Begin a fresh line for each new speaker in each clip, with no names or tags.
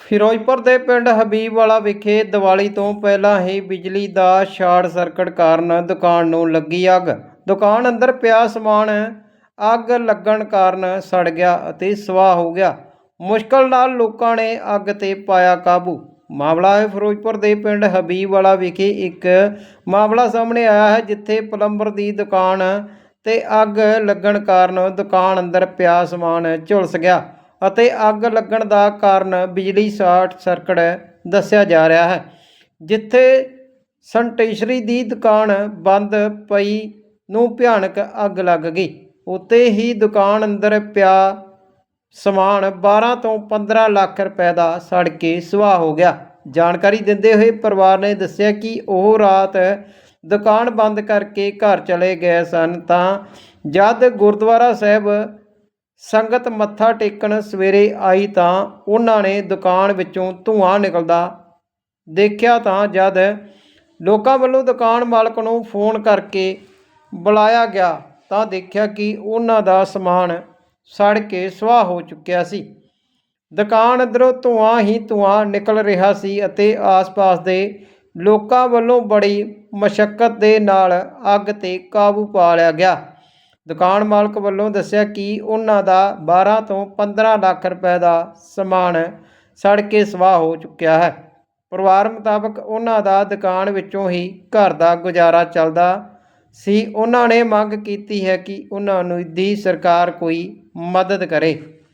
ਫਿਰੋਜ਼ਪੁਰ ਦੇ ਪਿੰਡ ਹਬੀਬਵਾਲਾ ਵਿਖੇ ਦੀਵਾਲੀ ਤੋਂ ਪਹਿਲਾਂ ਹੀ ਬਿਜਲੀ ਦਾ ਸ਼ਾਰਟ ਸਰਕਟ ਕਾਰਨ ਦੁਕਾਨ ਨੂੰ ਲੱਗੀ ਅੱਗ। ਦੁਕਾਨ ਅੰਦਰ ਪਿਆ ਸਮਾਨ ਅੱਗ ਲੱਗਣ ਕਾਰਨ ਸੜ ਗਿਆ ਅਤੇ ਸਵਾਹ ਹੋ ਗਿਆ। ਮੁਸ਼ਕਲ ਨਾਲ ਲੋਕਾਂ ਨੇ ਅੱਗ ਤੇ ਪਾਇਆ ਕਾਬੂ। ਮਾਮਲਾ ਹੈ ਫਿਰੋਜ਼ਪੁਰ ਦੇ ਪਿੰਡ ਹਬੀਬਵਾਲਾ ਵਿਖੇ ਇੱਕ ਮਾਮਲਾ ਸਾਹਮਣੇ ਆਇਆ ਹੈ, ਜਿੱਥੇ ਪਲੰਬਰ ਦੀ ਦੁਕਾਨ ਤੇ ਅੱਗ ਲੱਗਣ ਕਾਰਨ ਦੁਕਾਨ ਅੰਦਰ ਪਿਆ ਸਮਾਨ ਝੁਲਸ ਗਿਆ ਅਤੇ ਅੱਗ ਲੱਗਣ ਦਾ ਕਾਰਨ ਬਿਜਲੀ ਸ਼ਾਰਟ ਸਰਕਟ ਦੱਸਿਆ ਜਾ ਰਿਹਾ ਹੈ। ਜਿੱਥੇ ਸੈਨੀਟਰੀ ਦੀ ਦੁਕਾਨ ਬੰਦ ਪਈ ਨੂੰ ਭਿਆਨਕ ਅੱਗ ਲੱਗ ਗਈ। ਉੱਤੇ ਹੀ ਦੁਕਾਨ ਅੰਦਰ ਪਿਆ ਸਮਾਨ 12 ਤੋਂ 15 ਲੱਖ ਰੁਪਏ ਦਾ ਸੜ ਕੇ ਸੁਆਹ ਹੋ ਗਿਆ। ਜਾਣਕਾਰੀ ਦਿੰਦੇ ਹੋਏ ਪਰਿਵਾਰ ਨੇ ਦੱਸਿਆ ਕਿ ਉਹ ਰਾਤ ਦੁਕਾਨ ਬੰਦ ਕਰਕੇ ਘਰ ਚਲੇ ਗਏ ਸਨ, ਤਾਂ ਜਦ ਗੁਰਦੁਆਰਾ ਸਾਹਿਬ ਸੰਗਤ ਮੱਥਾ ਟੇਕਣ ਸਵੇਰੇ ਆਈ ਤਾਂ ਉਹਨਾਂ ਨੇ ਦੁਕਾਨ ਵਿੱਚੋਂ ਧੂੰਆਂ ਨਿਕਲਦਾ ਦੇਖਿਆ। ਤਾਂ ਜਦ ਲੋਕਾਂ ਵੱਲੋਂ ਦੁਕਾਨ ਮਾਲਕ ਨੂੰ ਫੋਨ ਕਰਕੇ ਬੁਲਾਇਆ ਗਿਆ ਤਾਂ ਦੇਖਿਆ ਕਿ ਉਹਨਾਂ ਦਾ ਸਮਾਨ ਸੜ ਕੇ ਸੁਆਹ ਹੋ ਚੁੱਕਿਆ ਸੀ। ਦੁਕਾਨ ਅੰਦਰੋਂ ਧੂੰਆਂ ਹੀ ਧੂੰਆਂ ਨਿਕਲ ਰਿਹਾ ਸੀ ਅਤੇ ਆਸ-ਪਾਸ ਦੇ ਲੋਕਾਂ ਵੱਲੋਂ ਬੜੀ ਮਸ਼ੱਕਤ ਦੇ ਨਾਲ ਅੱਗ ਤੇ ਕਾਬੂ ਪਾ ਲਿਆ ਗਿਆ। ਦੁਕਾਨ ਮਾਲਕ ਵੱਲੋਂ ਦੱਸਿਆ ਕਿ ਉਹਨਾਂ ਦਾ 12 ਤੋਂ 15 ਲੱਖ ਰੁਪਏ ਦਾ ਸਮਾਨ ਸੜ ਕੇ ਸਵਾਹ ਹੋ ਚੁੱਕਿਆ ਹੈ। ਪਰਿਵਾਰ ਮੁਤਾਬਕ ਉਹਨਾਂ ਦਾ ਦੁਕਾਨ ਵਿੱਚੋਂ ਹੀ ਘਰ ਦਾ ਗੁਜ਼ਾਰਾ ਚੱਲਦਾ ਸੀ। ਉਹਨਾਂ ਨੇ ਮੰਗ ਕੀਤੀ ਹੈ ਕਿ ਉਹਨਾਂ ਨੂੰ ਦੀ ਸਰਕਾਰ ਕੋਈ ਮਦਦ ਕਰੇ।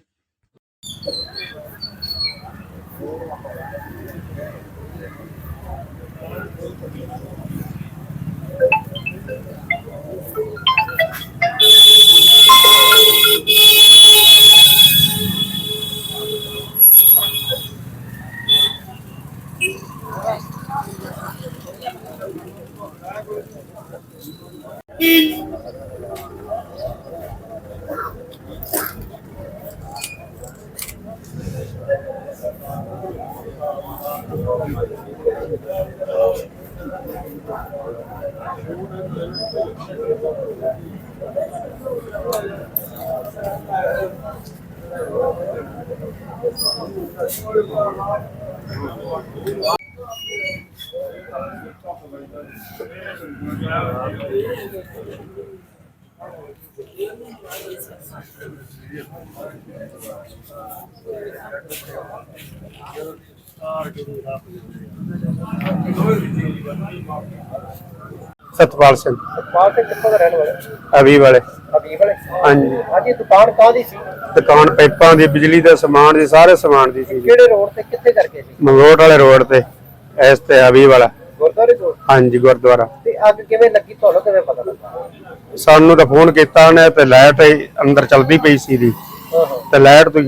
सतपाल सिंह
कित्थों दा रहने वाले?
हबीब वाले।
हबीब वाले?
हाँ जी।
आज ये दुकान काहदी सी?
दुकान पाइपां दी, बिजली दे समान दी, सारे समान दी सी।
किहड़े रोड ते कित्थे करके सी?
मंगलोट वाले रोड ते इस ते हबीब वाला।
गुरुद्वारे कोल?
हाँ जी, गुरुद्वारा।
ते अग किवें लगी, तुहानू किवें पता लगा?
सानू तो फोन कीता ने ते लाइट अंदर चलदी पई सी दी ते लाइट तो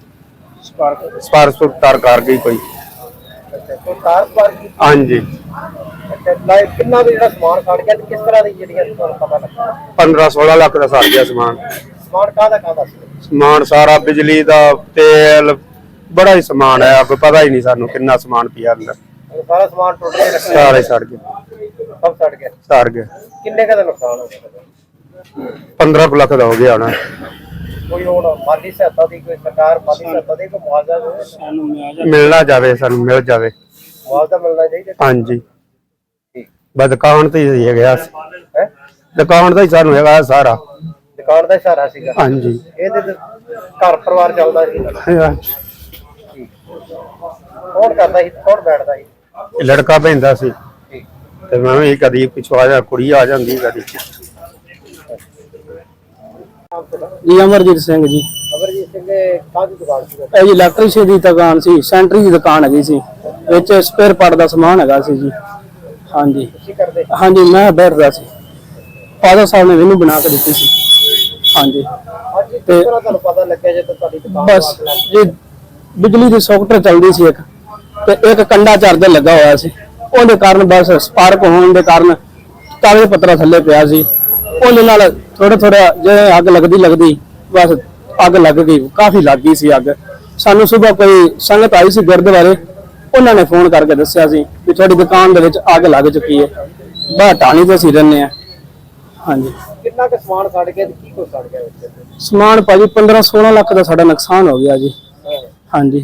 स्पार्क तार कर गई कोई।
अच्छा, कोई तार स्पार्क की?
हाँ जी।
अच्छा, लाइट कितना भी जेड़ा समान सड़ गया ते किस तरह दी जेड़ियां तुहानू पता लगा?
15-16 लाख का सड़ गया समान।
समान काहदा सी?
समान सारा बिजली दा, तेल, बड़ा ही समान है। अब पता ही नहीं सानू कितना समान पिया अंदर।
सारा सामान टूट गया?
सारे सड़ गया।
सब सड़ गया?
सड़ गया।
किन्ने का नुकसान हो गया?
15 लाख का हो गया होना।
कोई और माली सहायता दी, कोई सरकार माली सहायता दी, कोई मुआवजा
मिलना जावे, सानू मिल जावे।
मुआवजा मिलना चाहिए।
हाँ जी। बस दुकान तो ही गया, दुकान तो ही सानू है सारा।
दुकान का सहारा सीगा?
हाँ जी।
ਇਹਦੇ ਤੇ ਘਰ ਪਰਿਵਾਰ ਚੱਲਦਾ ਸੀ? ਕੌਣ ਕਰਦਾ ਸੀ, ਕੌਣ ਬੈਠਦਾ ਸੀ?
लड़का भेंदा सी ते मैं भी कदी पिछो आ जा, कुड़ी आ जांदी कदी।
जी अमरजीत सिंह जी।
ਅਮਰਜੀਤ ਸਿੰਘ ਦੇ ਕਾਹਦੀ ਦੁਕਾਨ ਸੀ?
ਇਹ ਜੀ ਇਲੈਕਟ੍ਰੀਸ਼ੀਅਨ ਦੀ ਦੁਕਾਨ ਸੀ, ਸੈਂਟਰੀ ਦੀ ਦੁਕਾਨ ਹੈਗੀ ਸੀ, ਵਿੱਚ ਸਪੇਅਰ ਪਾਰਟ ਦਾ ਸਮਾਨ ਹੈਗਾ ਸੀ ਜੀ। ਹਾਂਜੀ
ਕੀ ਕਰਦੇ?
ਹਾਂਜੀ, ਮੈਂ ਬੈਠਦਾ ਸੀ, ਫਾਦਰ ਸਾਹਿਬ ਨੇ ਮੈਨੂੰ ਬਣਾ ਕੇ ਦਿੱਤੀ ਸੀ। ਹਾਂਜੀ।
ਅੱਜ ਕਿਸ ਤਰ੍ਹਾਂ ਤੁਹਾਨੂੰ ਪਤਾ ਲੱਗਿਆ ਜਦੋਂ ਤੁਹਾਡੀ ਦੁਕਾਨ
ਬਸ ਜੀ ਬਿਜਲੀ ਦੀ ਸੌਕਟ ਚੱਲਦੀ ਸੀ ਇੱਕ, ਤੇ ਇੱਕ ਕੰਡਾ ਚਾਰਜਰ ਲੱਗਾ ਹੋਇਆ ਸੀ, ਉਹਦੇ ਕਾਰਨ ਬਸ ਸਪਾਰਕ ਹੋਣ ਦੇ ਕਾਰਨ ਕਾਗਜ਼ ਪੱਤਰਾ ਥੱਲੇ ਪਿਆ ਸੀ। ਉਹਦੇ ਨਾਲ ਥੋੜਾ ਜਿਵੇਂ ਅੱਗ ਲੱਗਦੀ ਬਸ ਅੱਗ ਲੱਗ ਗਈ, ਕਾਫੀ ਲੱਗ ਗਈ ਸੀ ਅੱਗ। ਸਾਨੂੰ ਸਵੇਰ ਕੋਈ ਸੰਗਤ ਆਈ ਸੀ ਗੁਰਦੁਆਰੇ, ਉਹਨਾਂ ਨੇ ਫੋਨ ਕਰਕੇ ਦੱਸਿਆ ਸੀ ਵੀ ਤੁਹਾਡੀ ਦੁਕਾਨ ਦੇ ਵਿੱਚ ਅੱਗ ਲੱਗ ਚੁੱਕੀ ਹੈ। ਬਾਹਰ ਟਾਣੀ ਤੇ ਅਸੀਂ ਰਹਿੰਦੇ ਆ। ਹਾਂਜੀ।
ਕਿੰਨਾ ਕੁ ਸਮਾਨ ਸੜ ਗਿਆ ਤੇ ਕੀ ਕੁਝ ਸੜ ਗਿਆ ਵਿੱਚ?
ਸਮਾਨ ਭਾਜੀ 15-16 ਲੱਖ ਦਾ ਸਾਡਾ ਨੁਕਸਾਨ ਹੋ ਗਿਆ ਜੀ। ਹਾਂਜੀ।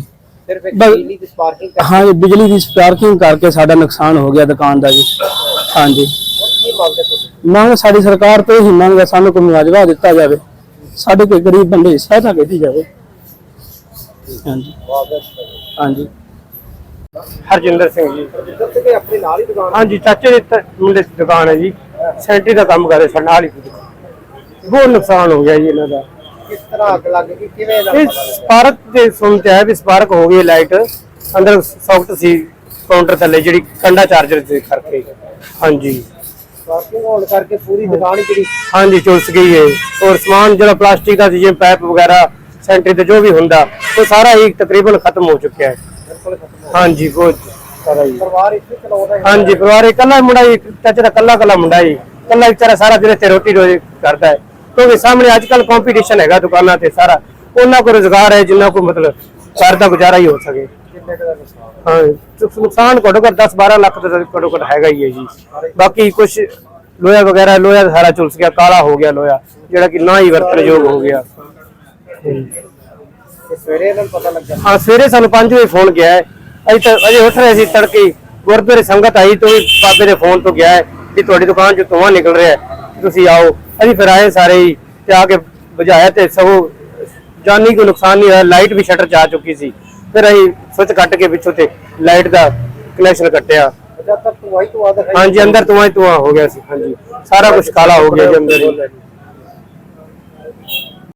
ਸਿਰਫ ਇੱਕ
ਬਸ-
ਬਿਜਲੀ ਦੀ ਸਪਾਰਕਿੰਗ
ਹਾਂ ਜੀ, ਬਿਜਲੀ ਦੀ ਸਪਾਰਕਿੰਗ ਕਰਕੇ ਸਾਡਾ ਨੁਕਸਾਨ ਹੋ ਗਿਆ ਦੁਕਾਨ ਦਾ ਜੀ। ਹਾਂਜੀ,
ਕੀ ਮੰਗਦੇ ਤੁਸੀਂ?
ਮੰਗ ਸਾਡੀ ਸਰਕਾਰ ਤੋਂ ਹੀ ਮੰਗ ਹੈ, ਸਾਨੂੰ ਕੋਈ ਮੁਆਵਜ਼ਾ ਦਿੱਤਾ ਜਾਵੇ, ਸਾਡੇ ਕੋਈ ਗਰੀਬ ਬੰਦੇ ਦੀ ਸਹਾਇਤਾ ਕੀਤੀ ਜਾਵੇ। ਹਾਂਜੀ ਹਾਂਜੀ।
ਹਰਜਿੰਦਰ ਸਿੰਘ ਜੀ।
ਜਿੱਦਾਂ ਕਿ ਆਪਣੇ ਨਾਲ ਹੀ ਦੁਕਾਨ
ਹਾਂਜੀ, ਚਾਚੇ ਦੇ ਮੁੰਡੇ ਦੀ ਦੁਕਾਨ ਹੈ ਜੀ, ਸੈਂਟਰੀ ਦਾ ਕੰਮ ਕਰਦੇ ਸਾਡੇ ਨਾਲ ਹੀ। ਬਹੁਤ ਨੁਕਸਾਨ ਹੋ ਗਿਆ ਜੀ ਇਹਨਾਂ ਦਾ।
ਕਿਸ ਤਰ੍ਹਾਂ ਅੱਗ ਲੱਗ ਗਈ, ਕਿਵੇਂ ਦਾ
ਇਹ ਸਪਾਰਕ ਦੇ ਸੁਣਤੇ ਹੈ ਵੀ ਸਪਾਰਕ ਹੋ ਗਈ ਲਾਈਟ, ਅੰਦਰ ਸੌਕਟ ਸੀ ਕਾਊਂਟਰ ਥੱਲੇ ਜਿਹੜੀ ਕੰਡਾ ਚਾਰਜਰ ਦੇ ਕਰਕੇ। ਹਾਂਜੀ
ਸਪਾਰਕਿੰਗ ਹੋਣ ਕਰਕੇ ਪੂਰੀ ਦੁਕਾਨ ਹੀ ਜਿਹੜੀ
ਹਾਂਜੀ ਝੁਲਸ ਗਈ ਹੈ। ਔਰ ਸਮਾਨ ਜਿਹੜਾ ਪਲਾਸਟਿਕ ਦਾ ਸੀ, ਜਿਵੇਂ ਪਾਈਪ ਵਗੈਰਾ ਸੈਂਟਰੀ ਤੇ ਜੋ ਵੀ ਹੁੰਦਾ, ਉਹ ਸਾਰਾ ਹੀ ਤਕਰੀਬਨ ਖਤਮ ਹੋ ਚੁੱਕਿਆ ਹੈ।
ਬਿਲਕੁਲ ਖਤਮ ਹੋ
ਹਾਂਜੀ ਬਹੁਤ ਸਾਰਾ ਜੀ।
ਪਰਿਵਾਰ ਇੱਥੇ ਚਲਾਉਂਦਾ ਹੈ।
ਹਾਂਜੀ ਪਰਿਵਾਰ ਇਕੱਲਾ ਮੁੰਡਾ ਹੀ, ਚਾਚੇ ਦਾ ਕੱਲਾ ਮੁੰਡਾ ਹੀ, ਕੱਲਾ ਵਿਚਾਰਾ ਸਾਰਾ ਦਿਨ ਇੱਥੇ ਰੋਟੀ ਰੋਜ਼ ਕਰਦਾ ਹੈ। ਕਿਉਂਕਿ ਸਾਹਮਣੇ ਅੱਜ ਕੱਲ ਕੰਪੀਟੀਸ਼ਨ ਹੈਗਾ ਦੁਕਾਨਾਂ ਤੇ ਸਾਰਾ, ਉਹਨਾਂ ਕੋਲ ਰੁਜ਼ਗਾਰ ਹੈ ਜਿੰਨਾ ਕੋ ਮਤਲਬ ਘਰ ਦਾ ਗੁਜ਼ਾਰਾ ਹੀ ਹੋ ਸਕੇ।
ਕਿੰਨੇ ਕੁ ਦਾ ਨੁਕਸਾਨ?
ਹਾਂ ਨੁਕਸਾਨ ਘੱਟੋ ਘੱਟ 10-12 ਲੱਖ ਦਾ ਘੱਟੋ ਘੱਟ ਹੈਗਾ ਹੀ ਹੈ ਜੀ। ਬਾਕੀ ਕੁਝ ਲੋਹਾ ਵਗੈਰਾ, ਲੋਹਾ ਸਾਰਾ ਝੁਲਸ ਗਿਆ, ਕਾਲਾ ਹੋ ਗਿਆ ਲੋਹਾ, ਜਿਹੜਾ ਕਿ ਨਾ ਹੀ ਵਰਤਣਯੋਗ ਹੋ ਗਿਆ।
ਤੇ ਸਵੇਰੇ ਇਹਨਾਂ ਨੂੰ ਪਤਾ ਲੱਗਾ।
ਹਾਂ ਸਵੇਰੇ ਸਾਨੂੰ 5 ਵਜੇ ਫੋਨ ਗਿਆ ਹੈ, ਅਜੇ ਉੱਠ ਰਹੇ ਸੀ ਤੜਕੇ, ਗੁਰਦੁਆਰੇ ਸੰਗਤ ਆਈ ਤੋਂ ਵੀ ਬਾਬੇ ਦੇ ਫੋਨ ਤੋਂ ਗਿਆ ਹੈ ਕਿ ਤੁਹਾਡੀ ਦੁਕਾਨ ਚੋਂ ਧੂੰਆਂ ਨਿਕਲ ਰਿਹਾ ਹੈ, ਤੁਸੀਂ ਆਓ। ਅਸੀਂ ਫਿਰ ਆਏ ਸਾਰੇ ਹੀ ਤੇ ਆ ਕੇ ਬੁਝਾਇਆ ਤੇ ਸਗੋਂ ਜਾਨੀ ਕੋਈ ਨੁਕਸਾਨ ਨਹੀਂ ਹੋਇਆ। ਲਾਈਟ ਵੀ ਸ਼ਟਰ 'ਚ ਆ ਚੁੱਕੀ ਸੀ, ਫਿਰ ਅਸੀਂ ਸੁੱਚ ਕੱਟ ਕੇ ਪਿੱਛੋਂ ਤੇ ਲਾਈਟ ਦਾ ਕਨੈਕਸ਼ਨ ਕੱਟਿਆ।
ਜਦ ਤੱਕ ਤੂੰ ਆਈ ਤੂੰ ਆਦਾ
ਹਾਂਜੀ ਅੰਦਰ ਧੂੰਆਂ ਹੀ ਧੂੰਆਂ ਹੋ ਗਿਆ ਸੀ। ਹਾਂਜੀ ਸਾਰਾ ਕੁਝ ਕਾਲਾ ਹੋ ਗਿਆ ਜੀ ਅੰਦਰ ਹੀ।